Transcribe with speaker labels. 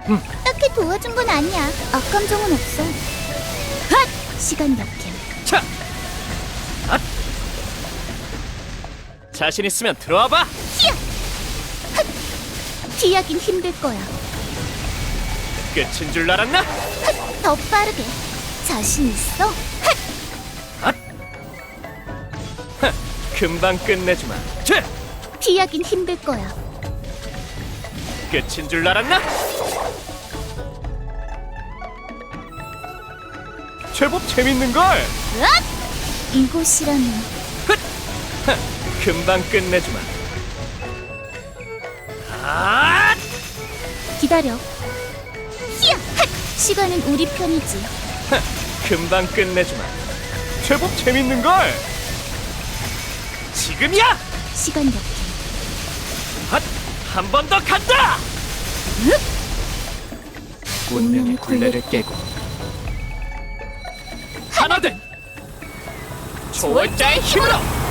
Speaker 1: 딱히 도와준 건 아니야. 악감정은 없어. 핫! 시간 역행.
Speaker 2: 차! 앗! 자신 있으면 들어와봐!
Speaker 1: 히야! 핫! 피하긴 힘들 거야.
Speaker 2: 끝인 줄 알았나?
Speaker 1: 핫! 더 빠르게. 자신 있어? 핫!
Speaker 2: 앗! 하, 금방 끝내주마. 자!
Speaker 1: 피하긴 힘들 거야.
Speaker 2: 끝인 줄 알았나? 제법 재밌는걸?
Speaker 1: 으악! 이곳이라면
Speaker 2: 하, 금방 끝내주마. 아!
Speaker 1: 기다려. 히야! 핫! 시간은 우리 편이지.
Speaker 2: 하, 금방 끝내주마. 제법 재밌는걸? 지금이야!
Speaker 1: 시간 역행.
Speaker 2: 핫! 한 번 더 간다! 운명의 굴레를 깨고 하나된 초월자의 힘으로!